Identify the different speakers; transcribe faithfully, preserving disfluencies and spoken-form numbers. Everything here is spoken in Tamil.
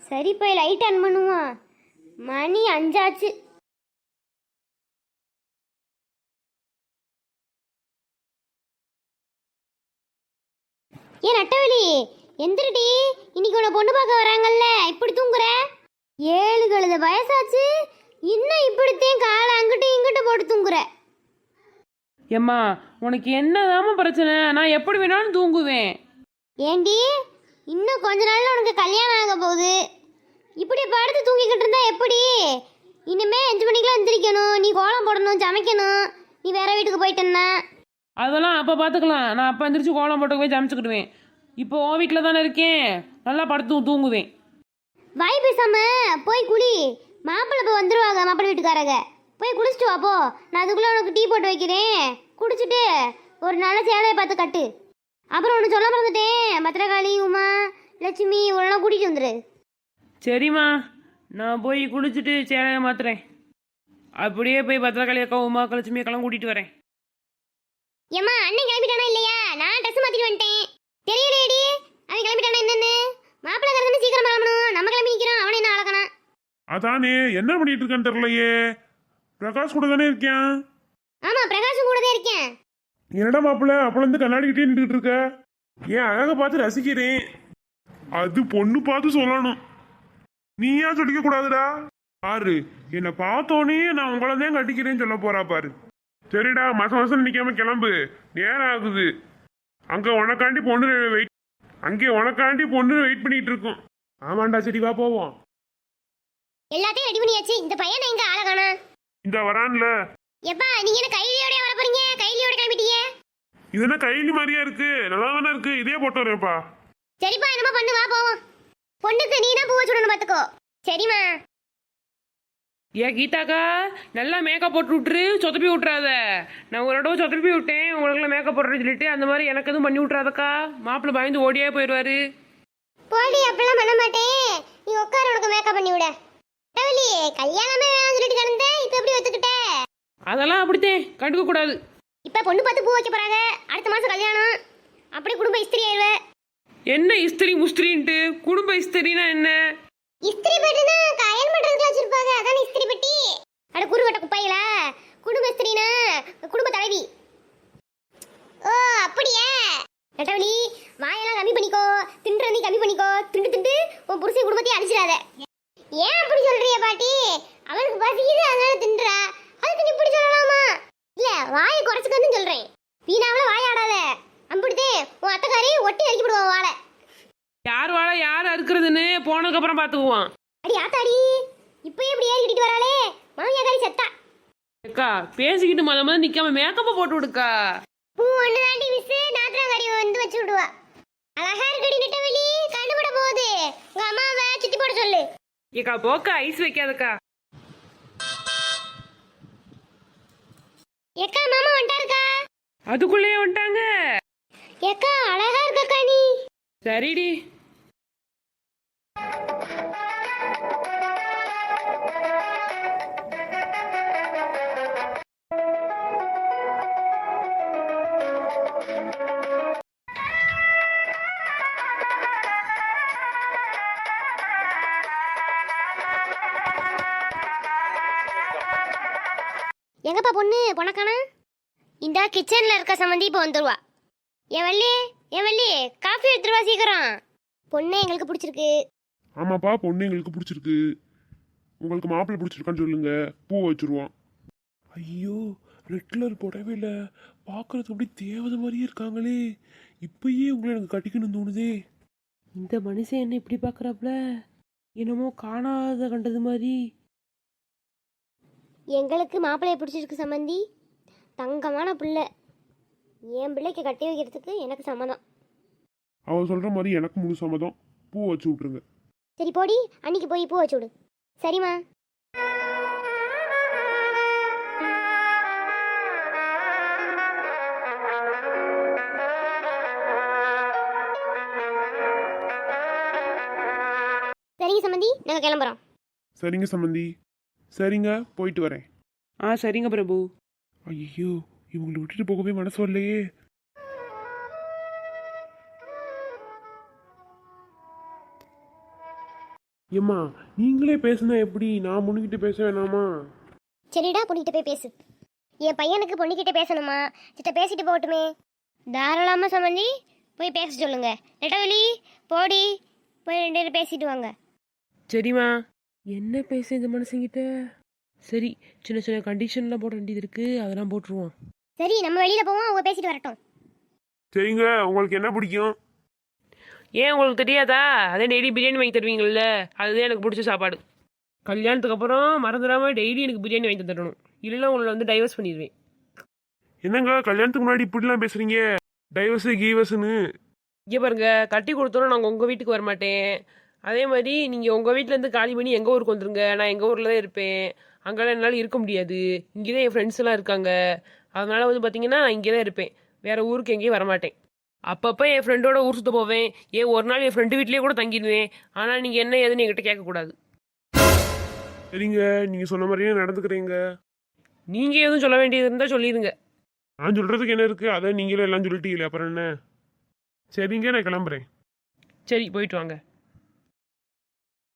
Speaker 1: சரி போய் லைட் ஆன் பண்ணுவோம். மணி அஞ்சாச்சு. ஏன் நட்டவழி எந்திரடி, இன்னைக்கு உன்னை பொண்ணு பார்க்க வராங்கல்ல, இப்படி தூங்குற? ஏழு கழுத வயசாச்சு, இன்னும் இப்படித்தையும் காலை அங்கிட்டு இங்கிட்டு போட்டு தூங்குற.
Speaker 2: ஏம்மா உனக்கு என்னதாம்மா பிரச்சனை? நான் எப்படி வேணாலும் தூங்குவேன்.
Speaker 1: ஏண்டி, இன்னும் கொஞ்ச நாள்ல உனக்கு கல்யாணம் ஆக போகுது. இப்படி படுத்து தூங்கிக்கிட்டு இருந்தா எப்படி? இனிமே அஞ்சு மணிக்கெல்லாம் எந்திரிக்கணும், நீ கோலம் போடணும், சமைக்கணும். நீ வேற வீட்டுக்கு போயிட்டேன்னா
Speaker 2: அதெல்லாம் அப்போ பார்த்துக்கலாம். நான் அப்போ எந்திரிச்சு கோலம் போட்டு போய் சமைச்சுக்கிடுவேன். இப்போ உன் வீட்டில் தானே இருக்கேன், நல்லா படுத்து தூங்குவேன்.
Speaker 1: வாய் பேசாம போய் குளி. மாப்பிள்ளை இப்போ வந்துருவாங்க, மாப்பிள்ளை வீட்டுக்காரங்க. போய் குளிச்சுட்டு வாப்போ. நான் அதுக்குள்ளே உனக்கு டீ போட்டு வைக்கிறேன். குடிச்சிட்டு ஒரு நல்ல சேலையை பார்த்து கட்டு. அப்புறம் ஒன்று சொல்ல மறந்துட்டேன், பத்திரகாளி, உமா, லட்சுமி இவளெல்லாம் கூட்டிகிட்டு வந்துரு.
Speaker 2: சரிம்மா, நான் போய் குளிச்சுட்டு சேலையை மாத்துறேன். அப்படியே போய் பத்திரகாளி அக்கா, உமா, லட்சுமி அக்கெல்லாம் கூட்டிகிட்டு வரேன்.
Speaker 1: ஏம்மா அண்ணன் கிளம்பிட்டானா இல்லையா? நான் ட்ரெஸ் மாற்றிட்டு வந்துட்டேன். தெரியலையடி அவன் கிளம்பிட்டானா என்னன்னு. மாப்பிள்ளை கறந்து சீக்கிரம் கிளம்பணும், நம்ம கிளம்பி நிற்கிறோம். அவனை என்ன அழகணும்?
Speaker 3: அதானே என்ன பண்ணிட்டு இருக்கான்னு தெரியலையே. பிரகாஷ் கூட தானே இருக்கேன்.
Speaker 1: ஆமா, பிரகாஷும் கூட தான் இருக்கேன்.
Speaker 3: என்னடா மாப்பிள்ள அப்பல இருந்து கண்ணாடி கிட்டே நின்றுட்டு இருக்க? ஏன் அழக பார்த்து ரசிக்கிறேன். அது பொண்ணு பார்த்து சொல்லணும், நீயா சொல்லிக்க கூடாதுடா. பாரு, என்னை பார்த்தோன்னே நான் உங்களை தான் கட்டிக்கிறேன்னு சொல்ல போறா பாரு. சரிடா, மாசம் மாசம் நிக்காம கிளம்பு, நேரம் ஆகுது. அங்க உனக்காண்டி பொண்ணு வெயிட் அங்கே உனக்காண்டி பொண்ணு வெயிட் பண்ணிட்டு இருக்கோம். ஆமாண்டா, சரி வா போவோம்.
Speaker 1: எல்லாத்தையும் ரெடி பண்ணியாச்சு. இந்த பையனை எங்க அழகானா?
Speaker 3: இந்த வரான்ல.
Speaker 1: எப்பா நீங்க என்ன கைலியோட வர போறீங்க? கைலியோட கிளம்பிட்டீங்க.
Speaker 3: இது என்ன கைலி மாதிரியா இருக்கு? நல்லா தானே இருக்கு, இதே போட்டு வரேன்ப்பா.
Speaker 1: சரிப்பா, என்னமா பண்ணு, வா போவோம். பொண்ணுக்கு நீ தான் பூ வச்சுடணும் பாத்துக்கோ. சரிம்மா.
Speaker 2: ஏ கீதாக்கா, நல்லா மேக்கப் போட்டு விட்டுரு, சொதப்பி விட்றாத. நான் ஒரு இடம் சொதப்பி விட்டேன், உங்களுக்குலாம் மேக்கப் போடுறேன்னு சொல்லிட்டு. அந்த மாதிரி எனக்கு எதுவும் பண்ணி விட்றாதக்கா, மாப்பிள்ளை பயந்து ஓடியே போயிடுவாரு.
Speaker 1: போடி, அப்பெல்லாம் பண்ண மாட்டேன். நீ உட்கார, உனக்கு மேக்கப் பண்ணி விட. டவலி, கல்யாணமே வேணாம்னு சொல்லிட்டு கிடந்த, இப்போ எப்படி ஒத்துக்கிட்ட?
Speaker 2: அதெல்லாம் அப்படித்தேன், கண்டுக்க கூடாது.
Speaker 1: இப்போ பொண்ணு பார்த்து பூ வைக்க போறாங்க. அடுத்த மாசம் கல்யாணம். அப்படி குடும்ப இஸ்திரி ஆயிடுவ.
Speaker 2: என்ன இஸ்திரி முஸ்திரின்ட்டு? குடும்ப இஸ்திரினா என்ன?
Speaker 1: இஸ்திரி பெட்டினா கயல் பண்றதுக்கு வச்சிருப்பாங்க, அதான் இஸ்திரி பெட்டி. அட குருவட்ட குப்பையில. குடும்ப இஸ்திரினா குடும்ப தலைவி. ஓ அப்படியே. நட்டவலி, வாயெல்லாம் கம்மி பண்ணிக்கோ, தின்றதை கம்மி பண்ணிக்கோ. திண்டு திண்டு உன் புருஷன் குடும்பத்தையும் அழிச்சிடாத. ஏன் அப்படி சொல்றிய பாட்டி? அவனுக்கு பசிக்குது அதனால தின்றா, அதுக்கு நீ இப்படி சொல்லலாமா? இல்ல, வாயை குறைச்சுக்கன்னு சொல்றேன். வீணாவில வாயாடாத. அம்பிடுதே உன் அத்தைக்காரி ஒட்டி அடிக்கி விடுவான் வாழை.
Speaker 2: யார் வாழை யார் அறுக்கிறதுன்னு போனதுக்கு அப்புறம் பாத்துக்குவான்.
Speaker 1: அடி ஆத்தாடி, இப்பயே இப்படி ஏறி கிட்டிட்டு வராளே. மாமியாக்காரி செத்தா.
Speaker 2: அக்கா பேசிக்கிட்டு மொத மொதல் நிக்காம மேக்கப்ப போட்டு விடுக்கா.
Speaker 1: பூ ஒண்ணு தாண்டி மிஸ் நாத்திரங்காரி வந்து வச்சு விடுவா. அழகா இருக்கடி நெட்டவெளி, கண்டுபிட போகுது. உங்க அம்மாவை சுத்தி போட சொல்லு.
Speaker 2: ஏக்கா போக்கா, ஐஸ் வைக்காதக்கா.
Speaker 1: ஏக்கா மாமா வந்துட்டாருக்கா.
Speaker 2: அதுக்குள்ளேயே வந்துட்டாங்க.
Speaker 1: ஏக்கா அழகா இருக்கக்கா நீ.
Speaker 2: சரிடி.
Speaker 1: எங்கப்பா பொண்ணு பொணக்கானா? இந்த கிச்சன்ல இருக்க சம்மந்தி இப்போ வந்துருவா. என் வள்ளி, என் வள்ளி, காஃபி எடுத்துருவா சீக்கிரம். பொண்ணு எங்களுக்கு பிடிச்சிருக்கு.
Speaker 3: ஆமாப்பா, பொண்ணு எங்களுக்கு பிடிச்சிருக்கு. உங்களுக்கு மாப்பிள்ளை பிடிச்சிருக்கான்னு சொல்லுங்க, பூ வச்சிருவோம். ஐயோ, ரெட் கலர் புடவையில பார்க்கறதுக்கு அப்படி தேவதை மாதிரியே இருக்காங்களே. இப்பயே உங்களை எனக்கு கட்டிக்கணும்னு தோணுதே.
Speaker 2: இந்த மனுஷன் என்ன இப்படி பாக்குறாப்ல? என்னமோ காணாத கண்டது மாதிரி.
Speaker 1: எங்களுக்கு மாப்பிள்ளைய பிடிச்சிருக்கு சம்மந்தி. தங்கமான பிள்ளை. என் பிள்ளைக்கு கட்டி வைக்கிறதுக்கு எனக்கு சம்மதம்.
Speaker 3: அவ சொல்ற மாதிரி எனக்கு முழு சம்மதம். பூ வச்சு விட்டுருங்க.
Speaker 1: சரி போடி, அன்னைக்கு போய் பூ வச்சு விடு. சரிம்மா. சரிங்க சம்மந்தி, நாங்கள் கிளம்புறோம்.
Speaker 3: சரிங்க சம்மந்தி. சரிங்க, போயிட்டு வரேன்.
Speaker 2: ஆ சரிங்க பிரபு.
Speaker 3: ஐயோ, இவங்களை விட்டுட்டு போகவே மனசு வரலையே. ஏம்மா நீங்களே பேசுனா எப்படி? நான் முன்னிக்கிட்டு பேச வேணாமா?
Speaker 1: சரிடா, பொண்ணுகிட்ட போய் பேசு. என் பையனுக்கு பொண்ணுகிட்ட பேசணுமா? சித்த பேசிட்டு போகட்டுமே. தாராளமாக சம்மந்தி, போய் பேச சொல்லுங்க. நெட்டவெளி போடி, போய் ரெண்டு பேரும் பேசிட்டு வாங்க.
Speaker 2: சரிம்மா. என்ன பேச இந்த மனுஷங்கிட்ட? சரி, சின்ன சின்ன கண்டிஷன்லாம் போட வேண்டியது இருக்கு, அதெல்லாம் போட்டுருவோம்.
Speaker 1: சரி, நம்ம வெளியில போவோம், அவங்க பேசிட்டு வரட்டும்.
Speaker 3: சரிங்க, உங்களுக்கு என்ன பிடிக்கும்?
Speaker 2: ஏன் உங்களுக்கு தெரியாதா? அதே டெய்லி பிரியாணி வாங்கி தருவீங்கள்ல, அதுதான் எனக்கு பிடிச்ச சாப்பாடு. கல்யாணத்துக்கு அப்புறம் மறந்துடாம டெய்லி எனக்கு பிரியாணி வாங்கி தரணும், இல்லைன்னா உங்களை வந்து டைவர்ஸ் பண்ணிடுவேன்.
Speaker 3: என்னங்க கல்யாணத்துக்கு முன்னாடி இப்படிலாம் பேசுறீங்க? டைவர்ஸு கீவர்ஸ்னு.
Speaker 2: இங்கே பாருங்க, கட்டி கொடுத்தோன்னா நாங்கள் உங்கள் வீட்டுக்கு வர மாட்டேன். அதே மாதிரி நீங்கள் உங்கள் வீட்டிலேருந்து காலி பண்ணி எங்கள் ஊருக்கு வந்துருங்க. நான் எங்கள் ஊரில் தான் இருப்பேன். அங்கெல்லாம் என்னால் இருக்க முடியாது. இங்கே தான் என் ஃப்ரெண்ட்ஸ் எல்லாம் இருக்காங்க. அதனால் வந்து பார்த்தீங்கன்னா நான் இங்கே தான் இருப்பேன். வேறு ஊருக்கு எங்கேயும் வரமாட்டேன். அப்பப்போ என் ஃப்ரெண்டோட ஊர் சுற்ற போவேன். ஏன் ஒரு நாள் என் ஃப்ரெண்டு வீட்லேயே கூட தங்கிடுவேன். ஆனால் நீங்கள் என்ன ஏதுன்னு என்கிட்ட கேட்கக்கூடாது.
Speaker 3: சரிங்க, நீங்க சொன்ன மாதிரியே நடந்துக்கிறீங்க.
Speaker 2: நீங்கள் எதுவும் சொல்ல வேண்டியது இருந்தால் சொல்லிடுங்க.
Speaker 3: நான் சொல்றதுக்கு என்ன இருக்கு? அதான் நீங்களே எல்லாம் சொல்லிட்டீங்களே, அப்புறம் என்ன? சரிங்க, நான் கிளம்புறேன்.
Speaker 2: சரி, போயிட்டு வாங்க.